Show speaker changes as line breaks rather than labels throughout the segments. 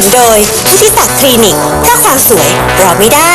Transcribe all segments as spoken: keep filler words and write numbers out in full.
นุนโดยพุทธิศักดิ์คลินิกถ้าความสวยรอไม่ได้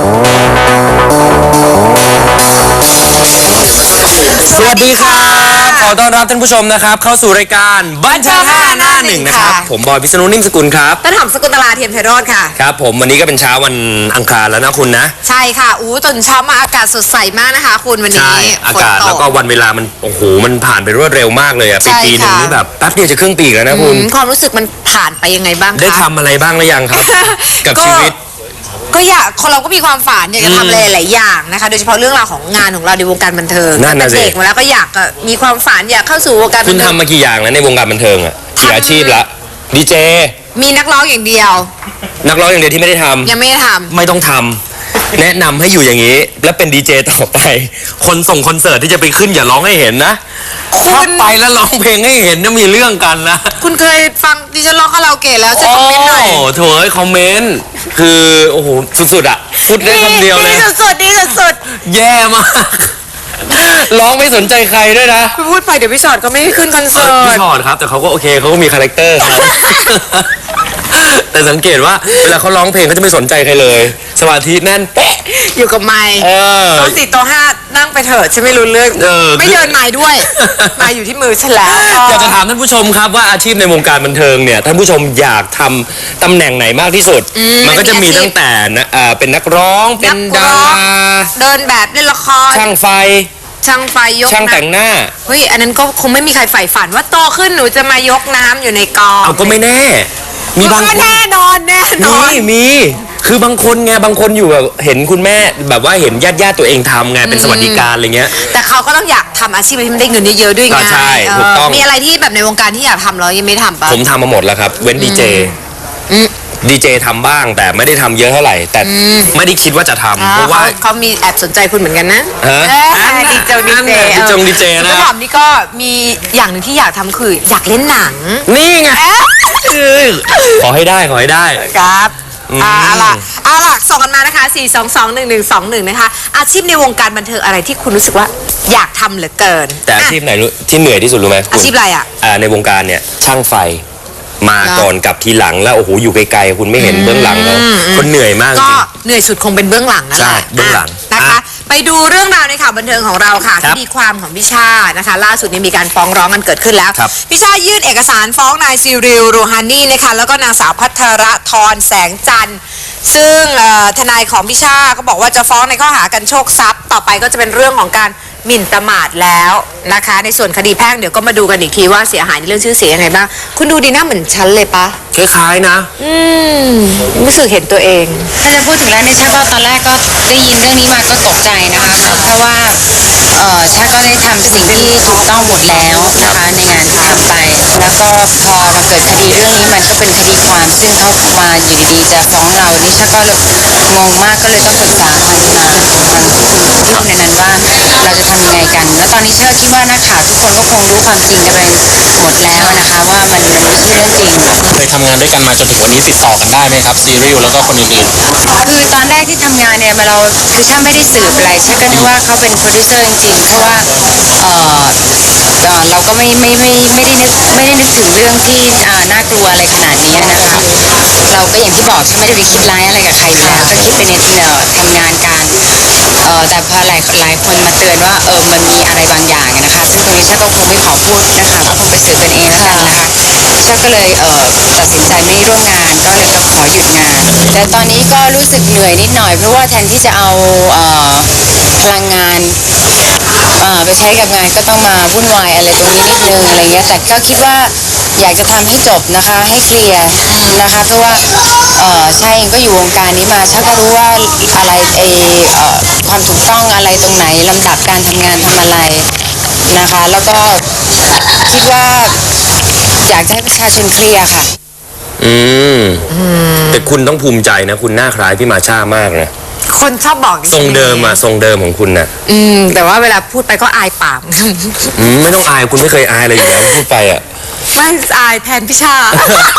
สวัสดีครับขอต้อนรับท่านผู้ชมนะครับเข้าสู่รายการบันเทิงห้าหน้าหนึ่งนะครับผมบอยพิษณุนิ่มสกุลครับ
ต้นหอมสกุลตลาเทียมไพโรจน์ค่ะ
ครับผมวันนี้ก็เป็นเช้าวันอังคารแล้วนะคุณนะ
ใช่ค่ะอู้ตอนเช้ามาอากาศสดใสมากนะคะคุณวันนี้
อากาศแล้วก็วันเวลามันโอ้โหมันผ่านไปรวดเร็วมากเลยอะปีปีนึงนี่แบบแป๊บเดียวจะครึ่งปีแล้วนะคุณ
ความรู้สึกมันผ่านไปยังไงบ้างคะ
ได้ทำอะไรบ้างหรือยังครับกับชีวิต
ก็อยากคนเราก็มีความฝันอยากจะทำอะไรหลายอย่างนะคะโดยเฉพาะเรื่องราวของงานของเราในวงการบันเทิงตั้งแต่เด็กมาแล้วก็อยากมีความฝันอยากเข้าสู่วงการบันเทิง
คุณทำมากี่อย่างแล้วในวงการบันเทิงอะกี่อาชีพละดีเจ
มีนักร้องอย่างเดียว
นักร้องอย่างเดียวที่ไม่ได้ทำ
ยังไม่ได้ทำ
ไม่ต้องทำแนะนำให้อยู่อย่างนี้แล้วเป็นดีเจต่อไปคนส่งคอนเสิร์ตที่จะไปขึ้นอย่าร้องให้เห็นนะถ้าไปแล้วร้องเพลงให้เห็นจะมีเรื่องกันนะ
คุณเคยฟังดิฉันร้องคาราโอเกะแล้วจะคอมเมนต์หน่อย
โอ้โถเอ้ยคอมเมนต์คือโอ้โหสุดๆอ่ะพูดได้คำเดียวเลย
ดีสุดๆดีสุด
ๆแย่มากร้องไม่สนใจใครด้วยนะ
พูดไปเดี๋ยวพี่ชอตก็ไม่ขึ้นคอนเสิร์ต
พี่ชอตครับแต่เขาก็โอเคเขาก็มีคาแรคเตอร์ครับแต่สังเกตว่าเวลาเขาร้องเพลงเขาจะไม่สนใจใครเลยสมาธิแน่นเป๊ะ
อยู่กับไมค์โต๊ะสี่โต๊ะห้านั่งไปเถอะฉันไม่รู้เรื่องไม่เดินไมค์ด้วยไมค์อยู่ที่มือฉันแล้ว
อยากจะถามท่านผู้ชมครับว่าอาชีพในวงการบันเทิงเนี่ยท่านผู้ชมอยากทำตำแหน่งไหนมากที่สุดมันก็จะมีตั้งแต่เป็นนักร้องเป็นดารา
เดินแบบเล่นละคร
ช่างไฟ
ช่างไฟยก
ช่างแต่งหน้า
เฮ้ยอันนั้นก็คงไม่มีใครใฝ่ฝันว่าโตขึ้นหนูจะมายกน้ำอยู่ในกอง
เอาก็ไม่แน่
มีบางคนแน่นอนแน่นอน
มีมีคือบางคนไงบางคนอยู่แบบเห็นคุณแม่แบบว่าเห็นญาติญาติตัวเองทำไงเป็นสวัสดิการอะไรเงี้ย
แต่เขาก็ต้องอยากทำอาชีพที่มันได้เงินเยอะๆด้วยไง
ใช่ถูกต้อง
มีอะไรที่แบบในวงการที่อยากทำแล้วยังไม่ทำปะ
ผมทำมาหมดแล้วครับเว้นดีเจดีเจทำบ้างแต่ไม่ได้ทำเยอะเท่าไหร่แต่ไม่ได้คิดว่าจะทำเพราะว่า
เขามีแอบสนใจคุณเหมือนกันนะดีเจดีเจ
ดีจงดีเจนะ
พี่หอมนี่ก็มีอย่างหนึ่งที่อยากทำคืออยากเล่นหนัง
นี่ไงขอให้ได้ขอให้ได้
ครับอ่าล่ะอ่าล่ะส่งกันมานะคะสี่ สอง สอง หนึ่ง หนึ่ง สอง หนึ่งนะคะอาชีพในวงการบันเทิงอะไรที่คุณรู้สึกว่าอยากทำเหลือเกิน
แต่อาชีพไหนที่เหนื่อยที่สุดรู้ไหม
อาชีพอะไรอ่ะ
ในวงการเนี่ยช่างไฟมาก่อนกับทีหลังแล้วโอ้โหอยู่ไกลๆคุณไม่เห็นเบื้องหลังแล้วคนเหนื่อยมาก
ก็เหนื่อยสุดคงเป็นเบื้องหลังนั่นแหละ
เบื้องหลัง
นะคะไปดูเรื่องราวในข่าวบันเทิงของเราค่ะคดีความของพี่ชานะคะล่าสุดนี้มีการฟ้องร้องกันเกิดขึ้นแล้วพี่ชายื่นเอกสารฟ้องนายซิริลรูฮานีนะคะแล้วก็นางสาวพัทรธรแสงจันทร์ซึ่งทนายของพี่ชาก็บอกว่าจะฟ้องในข้อหากันโชคทรัพย์ต่อไปก็จะเป็นเรื่องของการหมิ่นประมาทแล้วนะคะในส่วนคดีแพ่งเดี๋ยวก็มาดูกันอีกทีว่าเสียหายในเรื่องชื่อเสียงยังไงบ้างคุณดูดีหน้าเหมือนฉันเลยปะ
คล้ายๆนะ
อืมรู้สึกเห็นตัวเอง
ถ้าจะพูดถึงแล้วเนี่ยชาก็ตอนแรกก็ได้ยินเรื่องนี้มาก็ตกใจนะคะเพราะว่าเออชาก็ได้ทำสิ่งที่ถูกต้องหมดแล้วนะคะในงานที่ทำไปแล้วก็พอมาเกิดคดีเรื่องนี้มันก็เป็นคดีความซึ่งเขามาอยู่ดีๆจะฟ้องเรานี่ชาก็งงมากก็เลยต้องปรึกษาทางทางทางที่คุณในนั้นว่าเราจะทำยังไงกันแล้วตอนนี้เชื่อคิดว่านักข่าวทุกคนก็คงรู้ความจริงกันไปหมดแล้วนะคะว่ามันมันไม่ใช่เรื่องจริง
เคยทำงานด้วยกันมาจนถึงวันนี้ติดต่อกันได้ไหมครับซีรีส์แล้วก็คนอื่น
ๆคือตอนแรกที่ทำงานเนี่ยมาเราคือช่างไม่ได้สืบอะไรช่างก็นึกว่าเขาเป็นโปรดิวเซอร์จริงๆเพราะว่าเออเราก็ไม่ไม่ไม่ไม่ได้นึกไม่ได้นึกถึงเรื่องที่น่ากลัวอะไรขนาดนี้นะคะเราก็อย่างที่บอกช่างไม่ได้ไปคิดร้ายอะไรกับใครอยู่แล้วก็คิดไปในที่เราทำงานกันเออแต่พอหลายหลายคนมาเตือนว่าเออมันมีอะไรบางอย่างนะคะซึ่งตรงนี้ช่างก็คงไม่ขอพูดนะคะก็คงไปสืบกันเองแล้วกันนะคะช่างก็เลยเออตัดสินใจไม่ร่วมงานก็เลยต้องขอหยุดงานแต่ตอนนี้ก็รู้สึกเหนื่อยนิดหน่อยเพราะว่าแทนที่จะเอาเอ่อพลังงานไปใช้กับงานก็ต้องมาวุ่นวายอะไรตรงนี้นิดนึงอะไรเงี้ยแต่ก็คิดว่าอยากจะทำให้จบนะคะให้เคลียร์นะคะเพราะว่าเอ่อใช่ก็อยู่วงการนี้มาช่างก็รู้ว่าอะไรเออความถูกต้องอะไรตรงไหนลำดับการทำงานทำอะไรนะคะแล้วก็คิดว่าอยากจะให้ประชาชนเคลียร์ค่ะ
อืมแต่คุณต้องภูมิใจนะคุณหน้าคล้ายพี่มาช่ามากนะ
คนชอบบอก
ทรงเดิมอะทรงเดิมของคุณน่ะ
อืมแต่ว่าเวลาพูดไปก็อายปาก
อืมไม่ต้องอายคุณไม่เคยอายเลยอยู่แล้วพูดไปอะ
ไม่อายแทนพี่ชา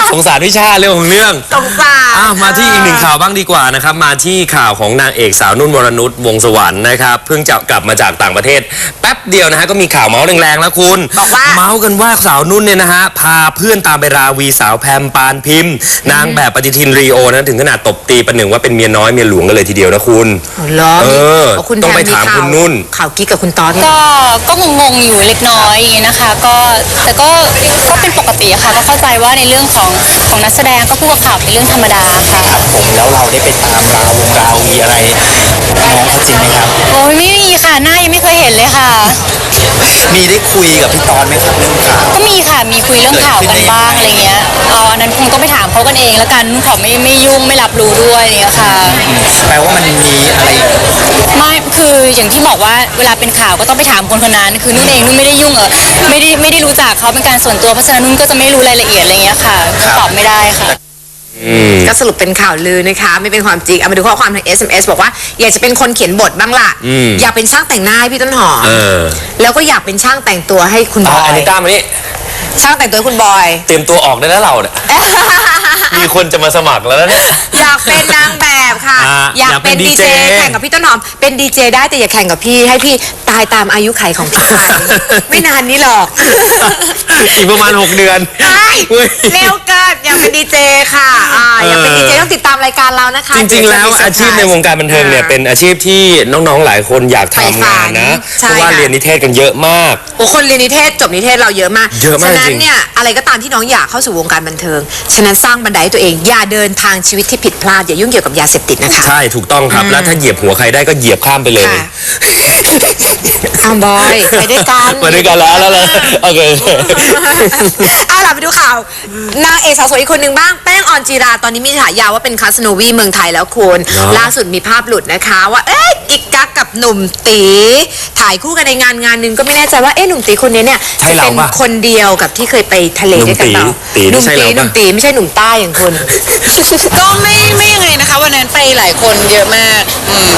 สงสารพี่ชาเรื่องของเรื่อง
สงสาร
อ้าวมาที่อีกหนึ่งข่าวบ้างดีกว่านะครับมาที่ข่าวของนางเอกสาวนุ่นวรนุชวงศ์สวรรค์นะครับเพิ่งจะกลับมาจากต่างประเทศแป๊บเดียวนะฮะก็มีข่าวเมาส์แรงๆแล้วคุณ
บอกว่า
เมาส์กันว่าสาวนุ่นเนี่ยนะฮะพาเพื่อนตามไปราวีสาวแพมปานพิมพ์นางแบบปฏิทินรีโอนะถึงขนาดตบตีประหนึ่งว่าเป็นเมียน้อยเมียหลวงกันเลยทีเดียวนะคุณ
อ๋อเหรอ
เออ
เพราะคุณ
ต้องไป
แพ
ถาม
ข่ว
คุณนุ่น
ข่าวกิ๊กกับคุณตอน
ก็ก็งงๆอยู่เล็กน้อยอย่างเงี้ยนะคะก็แต่ก็ก็เป็นปกติอะค่ะก็เข้าใจว่าในเรื่องของของนักแสดงก็พูดกับข่าวเป็นเรื่องธรรมดาค่ะ
ผมแล้วเราได้ไปตามราวงราววีอะไรน้องเขาจริงไหมครับ
โอ้ยไม่มีค่ะหน้ายังไม่เคยเห็นเลยค่ะ
มีได้คุยกับพี่ตอนไหมครับเรื่องข่าว
ก็มีค่ะมีคุยเรื่องข่าวกันบ้างอะไรเงี้ยเอาอันนั้นคงต้องไปถามเขากันเองแล้วกันนุ่นขอไม่ไม่ยุ่งไม่รับรู้ด้วยอะไรเงี้ยค่ะ
แปลว่ามันมีอะไร
ไม่คืออย่างที่บอกว่าเวลาเป็นข่าวก็ต้องไปถามคนคนนั้นคือนุ่นเองนุ่นไม่ได้ยุ่งเออไม่ได้ไม่ได้รู้จักเขาเป็นการส่วนตัวเพราะฉะนั้นนุ่นก็จะไม่รู้รายละเอียดอะไรเงี้ยค่ะก็ตอบไม่ได้ค่ะ
ก็สรุปเป็นข่าวลือนะคะไม่เป็นความจริงเอามาดูข้อความทาง เอส เอ็ม เอส บอกว่าอยากจะเป็นคนเขียนบทบ้างล่ะ
อืม
อยากเป็นช่างแต่งหน้าให้พี่ต้นหอม
เออ
แล้วก็อยากเป็นช่างแต่งตัวให้คุณบ
อ่ะ
อ
อัน
ย
นี้ต้ามานี่
ช่างแต่งตัวให้คุณบอย
เตรียมตัวออกได้แล้วเราเนี่ย มีคนจะมาสมัครแล้วนะเนี่ย
อยากเป็นนางแบบค่ะ
อ่า
อยาก
อยากเป็
เป็น
น
ดี
ดี
เจ
เจ
แข่งกับพี่ต้นหอมเป็นดีเจได้แต่อย่าแข่งกับพี่ให้พี่ตายตามอายุไขของพี่ไป ไม่นานนี้หรอก
อีกประมาณหกเดือน
ใช่
เว้ย
เร็วเกินอยากเป็นดีเจค่ะอ่าอยากเป็นดีเจต้องติดตามรายการเรานะคะ
จริงๆ แล้ว
เดี๋ยจะมีเซ
อา
ร์ไพรส์
ชีพในวงการบันเทิงเนี่ยเป็นอาชีพที่น้องๆ หลายคนอยาก
ใฝ่ฝั
ทำงาน
น
นะ
ใช่
เพราะว่า
ค่ะ
เรียนนิเทศกันเยอะมาก
โอ้คนเรียนนิเทศจบนิเทศเราเยอะมาก
เยอะมาก
ฉะนั้
จ
น
ริง
เนี่ยอะไรก็ตามที่น้องอยากเข้าสู่วงการบันเทิง ฉะนั้นสร้างบันไดให้ตัวเอง อย่าเดินทางชีวิตที่ผิดพลาด อย่ายุ่งเกี่ยวกับยาเสพติดนะคะ
ใช่ถูกต้องครับ แล้วถ้าเหยียบหัวใครได้ก็เหยียบข้ามไปเลย
ค่ะ อ้าวบอยไปด้วยกัน
มาด้วยกันแล้วแล้วเลยโอเค
เอาล่ะไปดูข่าวนางเอกสาวสวยอีกคนหนึ่งบ้างแป้งออนจีราตอนนี้มีฉายาว่าเป็นคาสโนวีเมืองไทยแล้วคุณ
เนอะ
ล่าสุดมีภาพหลุดนะคะ ว่าเอ๊ะกิ๊กกักกับหนุ่มตีถ่ายคู่กันในงานงานหนึ่งก็ไม่แน่ใจว่าเอ๊ะหนุ่มตีคนนี้เนี่ย
ใช่
จะ
เรา
เป็น
ปะ
คนเดียวกับที่เคยไปทะเลด้วยกันเปล่า
ตี
ห
นี่
นุ่ม
ใช่
ตี
เรา
หนุ่ม
ปะ
ตีไม่ใช่หนุ่มใต้อย่างคุณ
ก็ไม่ไม่ยังไงนะคะวันนั้นไปหลายคนเยอะมากอืม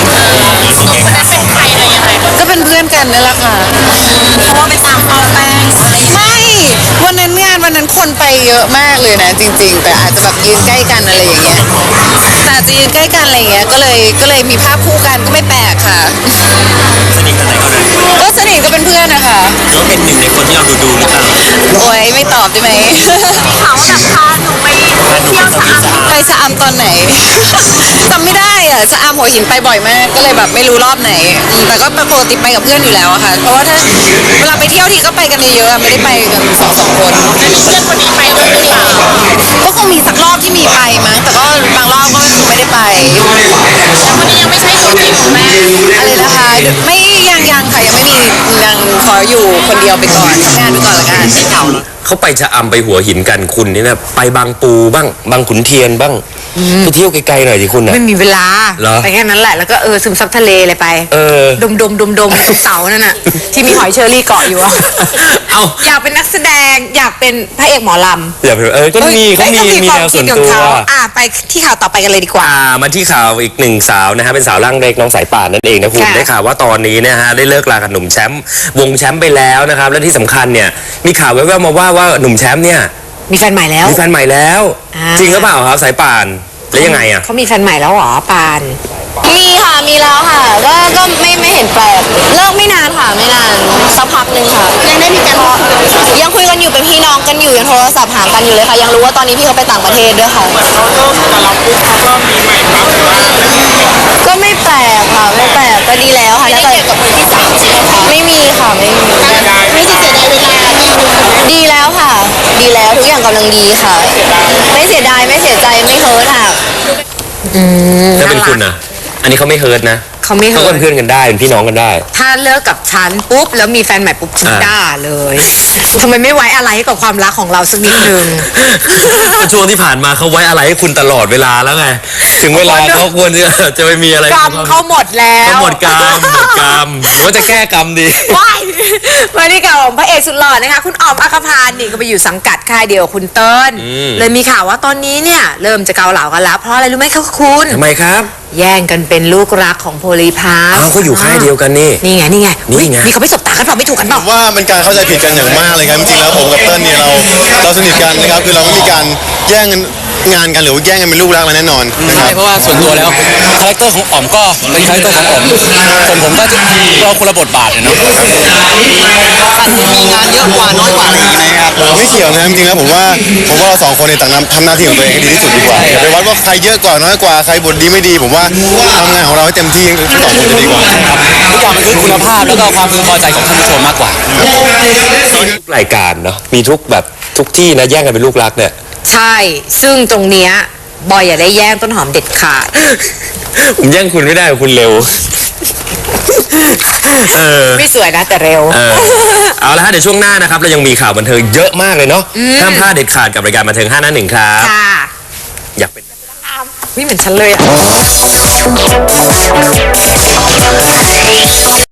ก็เป็นเพื่อนกันนั่นแหละค่ะเพราะว่าไปตามเป้าแป้งไม่วันนั้นงานวันนั้นคนไปเยอะมากเลยนะจริง ๆ แต่อาจจะแบบยืนใกล้กันอะไรอย่างเงี้ยแต่อาจจะยืนใกล้กันอะไรอย่างเงี้ยก็เลยก็เลยมีภาพคู่กันก็ไม่แปลกค่ะ
สนิทกันไหนก็ได้
ก็สนิทก็เป็นเพื่อนนะคะ
หรือว่าเป็นหนึ่งในคนที่เราดูดูหรือเปล่า
โอ้ยไม่ตอบได้ไหม
เขาแบบพาหนูไปเที่ยวสาม
ไปชะอำตอนไหน จำไม่ได้อะชะอำหัวหินไปบ่อยมาก ก็เลยแบบไม่รู้รอบไหนอืมแต่ก็ปกติไปกับเพื่อนอยู่แล้วอะค่ะ เพราะว่าถ้าเวลาไปเที่ยวทีก็ไปกันเยอะๆอะไม่ได้ไปกันสองสองคนเพื่อนคนนี้ไปด้วยหรือเปล่าก็คงมีสักรอบที่มีไปมั้งแต่ก็บางรอบก็ไม่ได้ไปวันนี้ยังไม่ใช่ตัวจริงของแม่อะไรนะคะไม่ยังยังค่ะยังไม่มียังขออยู่คนเดียวไปก่อนทำงานไปก่อนละกัน
เขาไปชะอำไปหัวหินกันคุณนี่นะไปบางปูบ้างบางขุนเทียนบ้างไปเที่ยวไกลๆหน่อยสิคุณนะ
ไม่มีเวลา
เหรอ
ไปแค่นั้นแหละแล้วก็เออซึมซับทะเลเลยไป
เออ
ดมดมดมดมๆเสาๆนั่นน่ะที่มีหอยเชอรี่เกาะอยู่อะ
เอา
อยากเป็นนักแสดงอยากเป็นพระเอกหมอลำ
อย่าไปเออก็มีเขามี
อ้ย
มีแนวส่วน
ความคิด
ตั
ของ
ว
เขาอ่ะไปที่ข่าวต่อไปกันเลยดีกว่า
อ่ามาที่ข่าวอีกหนึ่งสาวนะฮะเป็นสาวร่างเล็กน้องสายป่านนั่นเองนะคุณ
ค่ะ
ได้ข่าวว่าตอนนี้นะฮะได้เลิกลากับหนุ่มแชมป์วงแชมป์ไปแล้วนะครับและที่สำคัญเนี่ยมีข่าวแว่วๆมาว่าว่าหนุ่มแชมป์เนี่ย
มีแฟนใหม่แล้ว
มีแฟนใหม่แล้ว
อ่า
จริงหรือเปล่าครับสายป่านแล้วยังไงอ่ะ
เขามีแฟนใหม่แล้วเหรอปาน
มีค่ะมีแล้วค่ะก็ก็ไม่ไม่เห็นแปลกเลิกไม่นานค่ะไม่นานสักพักหนึ่งค่ะยังได้มีการยังคุยกันอยู่เป็นพี่น้องกันอยู่ยังโทรศัพท์หากันอยู่เลยค่ะยังรู้ว่าตอนนี้พี่เขาไปต่างประเทศด้วยค่ะก็ไม่แปลกค่ะไม่แปลกก็ดีแล้วค่ะถ้าเกิดกับมือที่สามใช่ไหมคะไม่มีค่ะไม่มีไม่เสียดายเวลาดีแล้วค่ะ ดีแล้วทุกอย่างกำลังดีค่ะ ไม่เสียดายไม่เสียใจไม่เฮิร์ตค่ะ
ถ้าเป็นคุณนะอันนี้เขาไม่เฮิร์ตนะ
เขาไม่
เขา
เฮิ
ก็
ร์ต
เป็นเพื่อนกันได้เป็นพี่น้องกันได้
ถ้าเลิกกับฉันปุ๊บแล้วมีแฟนใหม่ปุ๊บฉัน
อ่า
ด่าเลยทำไมไม่ไว้อะไรให้กับความรักของเราสักนิดนึง
ช่วงที่ผ่านมาเขาไว้อะไรให้คุณตลอดเวลาแล้วไงถึงเวลาเขาควรจะจะไปมีอะไร
กรรมเขาหมดแล้ว
เขาหมดกรรมหมดกรรมหรือว่าจะแก้กรรมดี
ว้ายมาที่ข่าวของพระเอกสุดหล่อนะคะ คุณอ๋อมอัครพานนี่ก็ไปอยู่สังกัดค่ายเดียวกับคุณเติ้ล
อืม
เลยมีข่าวว่าตอนนี้เนี่ยเริ่มจะเกาเหลากันแล้ว เพราะอะไรรู้ไหมคะคุณ
ทำไมครับ
แย่งกันเป็นลูกรักของโพลีพาส
อ้าวเขาอยู่ค่ายเดียวกันนี่
นี่ไงนี่ไง
นี่ไง
มีเขาไม่สบตากันเปล่าไม่ถูกกันเปล่า
ว่าเป็นการเข้าใจผิดกันอย่างมากเลยครับจริงๆแล้วผมกับเติ้ลเนี่ยเราเราสนิทกันนะครับคือเราไม่มีการแย่งกันงานกันหรือว่าแย่งกันเป็นลูกรักอะไรแน่นอนนะค
ใช่
รับ
เพราะว่าส่วนตัวแล้วคาแรคเตอร์ของอ๋อมก็เป็นคาแรคเตอร์ของอ๋อมส่วนผมก็จะเราคนละบทบาทเนี่ยเนาะ
มีงานเยอะกว่าน้อยกว่าอะไรอย่างงี้ไหมครับ
ไม่เกี่ยวนะจริงๆแล้วผมว่าผมว่าเราสองคนในยต่างทำหน้าที่ของตัวเองให้ดีที่สุดดีกว่าอย่าไปวัดว่าใครเยอะกว่าน้อยกว่าใครบทดีไม่ดี ผมว่าทำงานของเราให้เต็มที่ทั้งสองคนจะดีกว่า
ทุกอย่างมันคือคุณภาพแล้วก็ความพึงพอใจของท่านผู้ชมมากกว่า
ทุกรายการเนาะมีทุกแบบทุกที่นะแย่งกันเป็นลูกรักเนี่ย
ใช่ ซึ่งตรงเนี้ยบอยอย่าได้แย่งต้นหอมเด็ดขาด
ผมแย่งคุณไม่ได้คุณเร็ว เออ
ไม่สวยนะแต่เร็ว
เออเอาละฮะเดี๋ยวช่วงหน้านะครับเรายังมีข่าวบันเทิงเยอะมากเลยเนาะห้ามพลาดเด็ดขาดกับรายการบันเทิงห้าหน้าหนึ่งครับ
ค่ะ
อยากเป็น
นี่เหมือนฉันเลยอ่ะ